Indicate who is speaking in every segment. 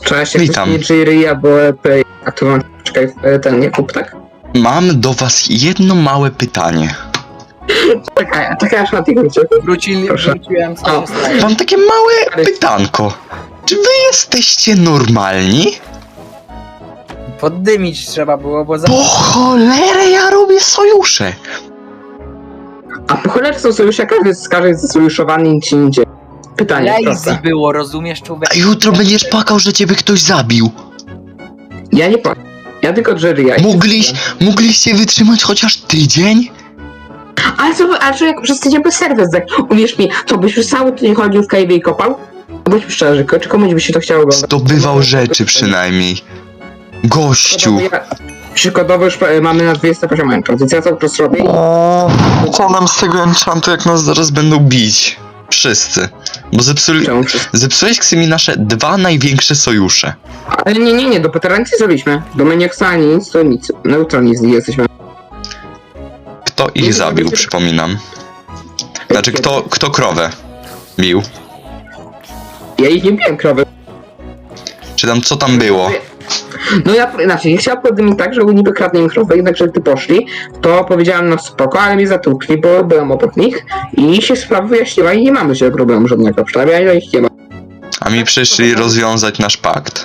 Speaker 1: Cześć,
Speaker 2: Witam.
Speaker 1: jak Jerry albo a tu mam, czekaj, ten Jakub, tak?
Speaker 2: Mam do was jedno małe pytanie.
Speaker 1: Czekaj, aż na tego
Speaker 3: Wróciłem, co się stało?
Speaker 2: Mam takie małe pytanko. Czy wy jesteście normalni?
Speaker 3: Poddymić trzeba było, bo za...
Speaker 2: Po cholerę ja robię sojusze.
Speaker 1: A po cholerę są sojusze, każdy jest zasojuszowany i nic się nie dzieje. Pytanie,
Speaker 3: lazy
Speaker 1: proste.
Speaker 3: było, rozumiesz, człowiek?
Speaker 2: A jutro będziesz płakał, że ciebie ktoś zabił.
Speaker 1: Ja nie powiem. Ja tylko Jerry'a.
Speaker 2: Mogliście wytrzymać chociaż tydzień?
Speaker 1: Ale co jak przez tydzień bez serwis, tak? Uwierz mi, to byś już cały tydzień chodził w cave'ie i kopał? Bądźmy szczerzy, czy komuś by się to chciało oglądać?
Speaker 2: Zdobywał rzeczy przynajmniej. Gościu.
Speaker 1: Przykładowo już mamy na 20 poziom enchant, więc ja to po prostu robię.
Speaker 2: O, co nam z tego enchantu, jak nas zaraz będą bić? Wszyscy. Bo
Speaker 1: Czemu?
Speaker 2: zepsułeś Ksymi nasze dwa największe sojusze.
Speaker 1: Ale nie, do Petera nic nie zrobiliśmy. Do Maniaxa ani nic, to nic. Neutralni z nich jesteśmy.
Speaker 2: Kto ich zabił, przypominam. Znaczy, kto krowę bił?
Speaker 1: Ja ich nie biłem, krowy.
Speaker 2: Czy tam co tam było?
Speaker 1: No ja chciałem poddymić tak, że niby kradnę im krowę, jednakże gdy poszli, to powiedziałem no spoko, ale mnie zatłukli, bo byłem obok nich i się sprawa wyjaśniła i nie mamy się problemu żadnego, przynajmniej ja ich nie mam.
Speaker 2: A mi przyszli rozwiązać nasz pakt.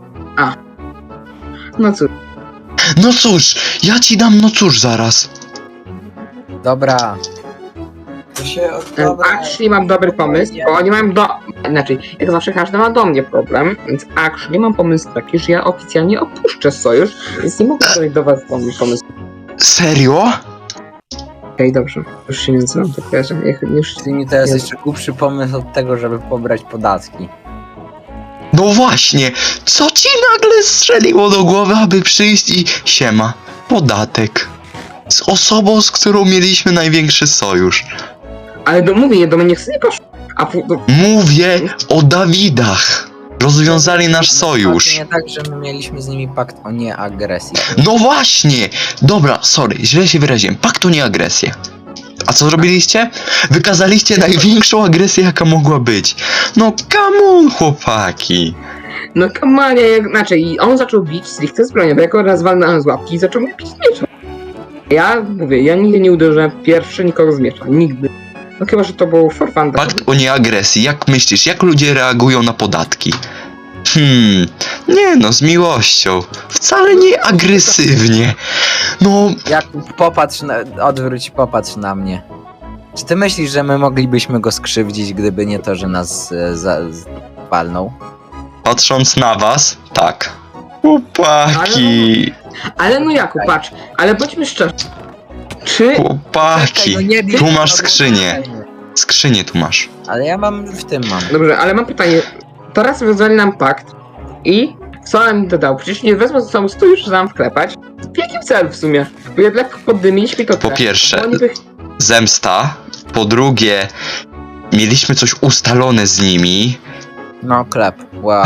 Speaker 1: No cóż,
Speaker 2: No cóż, ja ci dam no cóż zaraz.
Speaker 3: Dobra. To się
Speaker 1: actually mam dobry pomysł, bo oni mają jak zawsze każdy ma do mnie problem, więc actually mam pomysł taki, że ja oficjalnie opuszczę sojusz, więc nie mogę zrobić do was pomysł.
Speaker 2: Serio?
Speaker 1: Okej, dobrze, już się nie nazywam, tak wiesz, już...
Speaker 3: to jest jeszcze głupszy pomysł od tego, żeby pobrać podatki.
Speaker 2: No właśnie, co ci nagle strzeliło do głowy, aby przyjść i siema, podatek. Z osobą, z którą mieliśmy największy sojusz.
Speaker 1: Ale mówię, do mnie nie poszło.
Speaker 2: Mówię o Dawidach. Rozwiązali nasz sojusz.
Speaker 3: Nie tak, że my mieliśmy z nimi pakt o nieagresji.
Speaker 2: No właśnie! Dobra, sorry, źle się wyraziłem. Pakt o nieagresję. A co zrobiliście? Wykazaliście największą agresję, jaka mogła być. No come on, chłopaki.
Speaker 1: No kamanie, i on zaczął bić stricte z bronią, bo jako raz walnąłem z łapki i zaczął mnie bić z miecza. Ja mówię, ja nigdy nie uderzyłem pierwszy nikogo z miecza, nigdy. No chyba, że to był for fun.
Speaker 2: Pakt o nieagresji. Jak myślisz, jak ludzie reagują na podatki? Nie no, z miłością. Wcale nie agresywnie. No,
Speaker 3: Jakub, odwróć, popatrz na mnie. Czy ty myślisz, że my moglibyśmy go skrzywdzić, gdyby nie to, że nas walnął?
Speaker 2: patrząc na was, tak. Chłopaki.
Speaker 1: Ale no Jakub, patrz, ale bądźmy szczerzy. Czy...
Speaker 2: Chłopaki.
Speaker 3: Czekaj, no nie bij,
Speaker 2: Tu masz
Speaker 3: to było
Speaker 2: skrzynię.
Speaker 3: fajnie.
Speaker 2: Skrzynię tu masz.
Speaker 3: Ale ja w tym mam.
Speaker 1: Dobrze, ale mam pytanie. Teraz wyzwali nam pakt i co nam mi dodał? Przecież nie wezmę ze sobą 100 już znam wklepać. W jakim celu w sumie? Bo jednak poddymić mi to
Speaker 2: Po pierwsze,
Speaker 1: bo oni by...
Speaker 2: zemsta. Po drugie, mieliśmy coś ustalone z nimi.
Speaker 3: No, klep. Wow.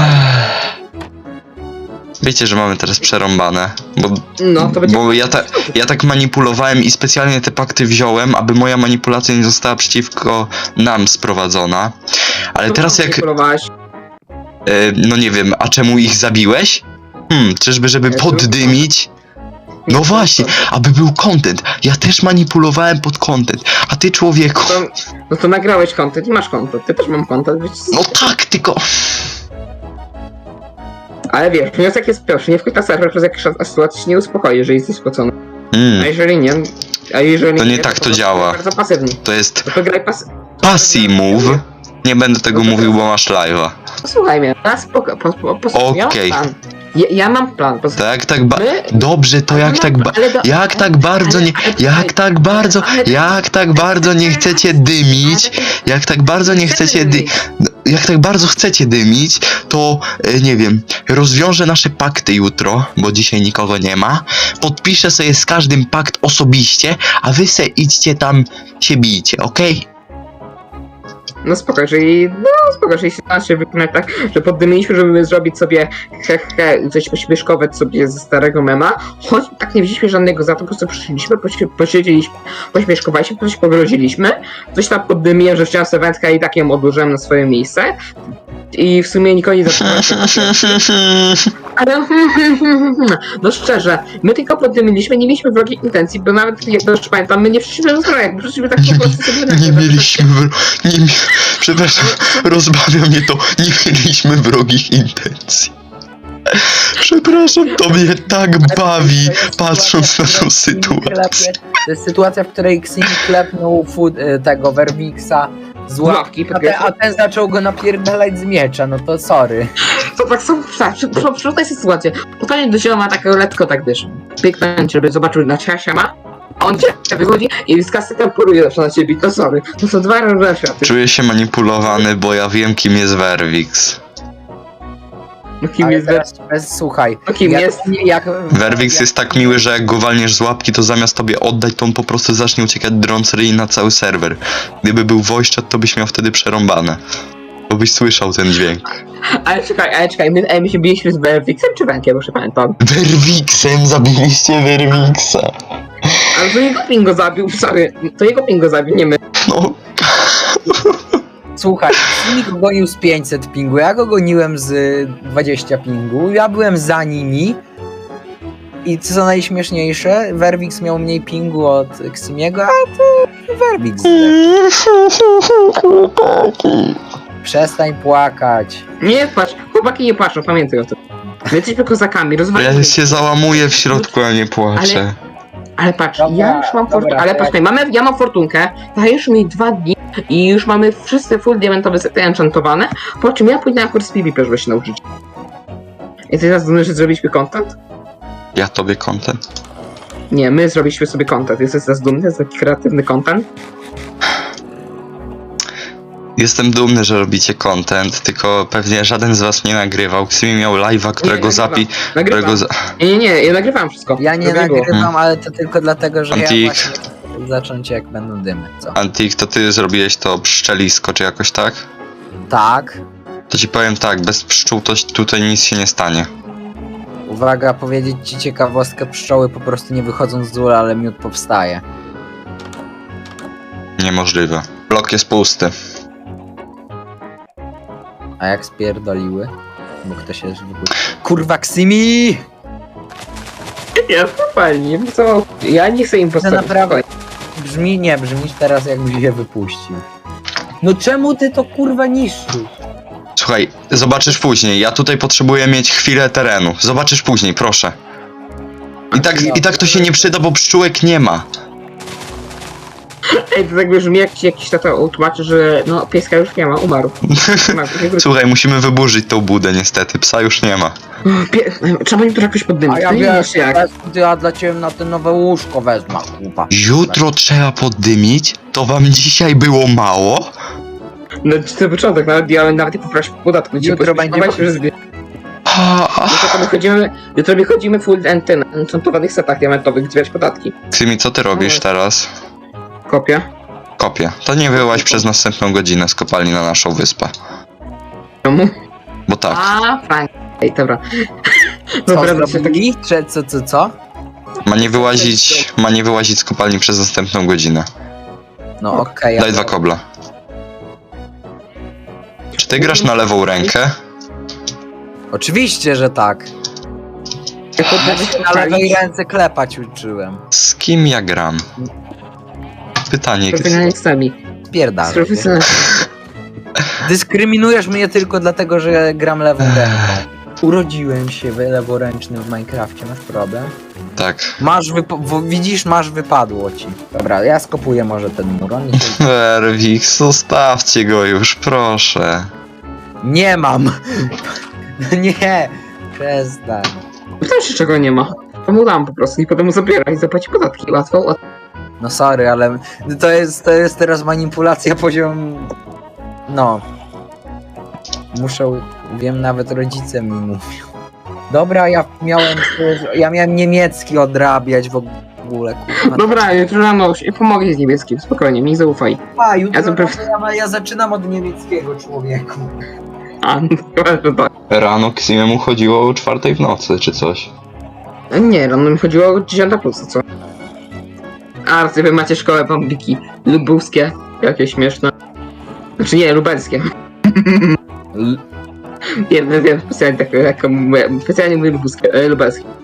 Speaker 2: Wiecie, że mamy teraz przerąbane,
Speaker 1: No, to będzie...
Speaker 2: bo ja tak manipulowałem i specjalnie te pakty wziąłem, aby moja manipulacja nie została przeciwko nam sprowadzona. Ale
Speaker 1: To
Speaker 2: teraz
Speaker 1: co
Speaker 2: jak...
Speaker 1: manipulowałeś?
Speaker 2: No nie wiem, a czemu ich zabiłeś? Czyżby, żeby poddymić? No właśnie, aby był content. Ja też manipulowałem pod content. A ty, człowieku...
Speaker 1: No to nagrałeś content i masz content. Ty też mam content, wiecie?
Speaker 2: No tak, tylko...
Speaker 1: Ale wiesz, wniosek jest pierwszy, nie wchodź na serwer, przez jakąś sytuację się nie uspokoi, jeżeli jesteś spocony. A jeżeli nie,
Speaker 2: To nie tak to działa.
Speaker 1: Bardzo pasywnie.
Speaker 2: To jest
Speaker 1: To graj
Speaker 2: passy move. Nie będę tego mówił, bo masz live'a.
Speaker 1: Posłuchaj mnie, teraz
Speaker 2: Okej.
Speaker 1: Ja mam plan.
Speaker 2: To jak tak Dobrze, to jak tak jak tak bardzo nie chcecie dymić, jak tak bardzo chcecie dymić, to nie wiem, rozwiążę nasze pakty jutro, bo dzisiaj nikogo nie ma. Podpiszę sobie z każdym pakt osobiście, a wy se idźcie tam się bijcie, okej?
Speaker 1: No spoko, jeżeli sytuacja się wykonać tak, że poddymiliśmy, żeby zrobić sobie coś pośmieszkować sobie ze starego mema, choć tak nie wzięliśmy żadnego za to, po prostu przyszliśmy, posiedzieliśmy, pośmieszkowaliśmy, coś pogroziliśmy, coś tam poddymiłem, że chciałem sobie wędkę i tak ją odłożyłem na swoje miejsce. i w sumie nikogo nie zatrzymał. Ale no szczerze, my tylko poddymieliśmy, nie mieliśmy wrogich intencji, bo nawet jak dobrze pamiętam, my nie przyszliśmy do zbrojek, my przyszliśmy tak po prostu sobie na
Speaker 2: Nie mieliśmy przepraszam, rozbawia mnie to. Nie mieliśmy wrogich intencji. Przepraszam, to mnie tak bawi, patrząc na tą sytuację.
Speaker 3: To jest sytuacja, w której Ximi klepnął tego Werwixa z łapki, a ten zaczął go napierdalać z miecza, no to sorry.
Speaker 1: To tak są, tak, przyszła sytuacja. Pytanie do zioma takiego letko tak wiesz, pięknąć, żeby zobaczył na ciasia ma, a on cię wychodzi i z kasetem poluje zawsze na ciebie, to sorry. To są dwa różne światy.
Speaker 2: Czuję się manipulowany, bo ja wiem, kim jest Werwix.
Speaker 1: No kim
Speaker 3: Ale
Speaker 1: jest
Speaker 3: teraz, słuchaj,
Speaker 1: No kim jest?
Speaker 2: Werwix jest tak miły, że jak go walniesz z łapki, to zamiast tobie oddać, to on po prostu zacznie uciekać drąc ryj na cały serwer. Gdyby był voice chat, to byś miał wtedy przerąbane. Bo byś słyszał ten dźwięk.
Speaker 1: Ale czekaj, my się biliśmy z Werwixem czy Wenkiem, już nie pamiętam.
Speaker 2: Werwixem zabiliście Werwixa.
Speaker 1: Ale to jego ping go zabił, sorry, to jego ping go zabił, nie my.
Speaker 2: No,
Speaker 3: Słuchaj, Ximi go gonił z 500 pingu, ja go goniłem z 20 pingu, ja byłem za nimi i co najśmieszniejsze, Werwix miał mniej pingu od Ximiego, a to Werwix zdechł. Przestań płakać.
Speaker 1: Nie patrz, chłopaki nie patrzą, pamiętaj o tym. My jesteśmy kozakami,
Speaker 2: ja
Speaker 1: rozwalimy.
Speaker 2: się załamuję w środku, a nie płaczę.
Speaker 1: Ale patrz,
Speaker 3: Dobra,
Speaker 1: ja już mam
Speaker 3: dobra,
Speaker 1: fortunkę, ale patrz, ja mam fortunkę, dajesz mi 2 dni i już mamy wszyscy full diamentowe sety enchantowane, po czym ja pójdę na kurs PvP, żeby się nauczyć. I ty teraz dumny, że zrobiliśmy content?
Speaker 2: Ja tobie content?
Speaker 1: Nie, my zrobiliśmy sobie content, jesteś teraz dumny, za taki kreatywny content?
Speaker 2: Jestem dumny, że robicie content, tylko pewnie żaden z was nie nagrywał. Ksimi miał live'a, którego
Speaker 1: Nagrywam. Nie, ja nagrywam wszystko.
Speaker 3: Ja nie
Speaker 1: Żeby było.
Speaker 3: nagrywam, ale to tylko dlatego, że
Speaker 2: Antik.
Speaker 3: ja właśnie chcę zacząć jak będą dymy, co?
Speaker 2: Antik, to ty zrobiłeś to pszczelisko, czy jakoś tak?
Speaker 3: Tak,
Speaker 2: To ci powiem tak, bez pszczół to tutaj nic się nie stanie.
Speaker 3: uwaga, powiedzieć ci ciekawostkę, pszczoły po prostu nie wychodzą z ula, ale miód powstaje.
Speaker 2: Niemożliwe. Blok jest pusty.
Speaker 3: A jak spierdoliły? Bo ktoś jest Kurwa, Ximi!
Speaker 1: Ja spokojnie, co? Ja nie chcę im
Speaker 3: To
Speaker 1: postawić.
Speaker 3: naprawdę brzmisz teraz jakbyś je wypuścił. No czemu ty to kurwa niszczysz?
Speaker 2: Słuchaj, zobaczysz później. Ja tutaj potrzebuję mieć chwilę terenu. Zobaczysz później, proszę. I tak to się nie przyda, bo pszczółek nie ma.
Speaker 1: Ej, to tak brzmi jakiś tato tłumaczy, że no pieska już nie ma, umarł.
Speaker 2: Słuchaj, musimy wyburzyć tą budę niestety. Psa już nie ma.
Speaker 1: Trzeba im to jakoś poddymić.
Speaker 3: A ja
Speaker 1: to nie
Speaker 3: wiesz,
Speaker 1: wiesz jak.
Speaker 3: ja dla ciebie na te nowe łóżko wezmę, kurwa.
Speaker 2: Jutro trzeba poddymić? To wam dzisiaj było mało?
Speaker 1: No to początek, nawet nie poprosił podatku.
Speaker 3: Jutro będzie
Speaker 1: Jutro wychodzimy full enchantowanych setach diamentowych, zbierać podatki.
Speaker 2: Ksimi, co ty robisz teraz?
Speaker 1: Kopię.
Speaker 2: Kopię. To nie wyłaź przez następną godzinę z kopalni na naszą wyspę.
Speaker 1: Czemu?
Speaker 2: Bo tak.
Speaker 1: A, Frank. Ej, dobra.
Speaker 3: Co
Speaker 1: Dobra, to się
Speaker 3: zrobili? Co?
Speaker 2: Ma nie wyłazić z kopalni przez następną godzinę.
Speaker 3: No okej.
Speaker 2: Daj 2 kobla. Czy ty grasz na lewą rękę?
Speaker 3: Oczywiście, że tak. Ja się na lewej ręce klepać uczyłem.
Speaker 2: Z kim ja gram? Pytanie.
Speaker 1: Profesjonalistami.
Speaker 3: Spierdalaj.
Speaker 1: Profesjonalistami.
Speaker 3: Dyskryminujesz mnie tylko dlatego, że gram lewą ręką. Urodziłem się leworęcznym w Minecrafcie, masz problem?
Speaker 2: Tak.
Speaker 3: Widzisz, masz wypadło ci. Dobra, ja skopuję może ten mur. On nie,
Speaker 2: Werwix, zostawcie go już, proszę.
Speaker 3: nie mam! Nie! Przestań.
Speaker 1: Pytam się czego nie ma. To mu dam po prostu i potem mu zabiera i zapłaci podatki. Łatwo.
Speaker 3: No sorry, ale to jest teraz manipulacja poziom... No. Wiem, nawet rodzice mi mówią. Dobra, ja miałem niemiecki odrabiać w ogóle, kurwa.
Speaker 1: Dobra, jutro rano pomogę z niebieskim. Spokojnie, mi zaufaj.
Speaker 3: A, jutro
Speaker 1: Ja
Speaker 3: ja zaczynam od niemieckiego, człowieku.
Speaker 1: A, chyba, że tak.
Speaker 2: Rano Ksimiemu chodziło o 4 w nocy, czy coś.
Speaker 1: Nie, rano mi chodziło o 10 plus, co? A, wy macie szkołę bambiki lubuskie. Jakie śmieszne. Znaczy nie, lubelskie. Wiem, specjalnie tak, specjalnie mówię lubelski.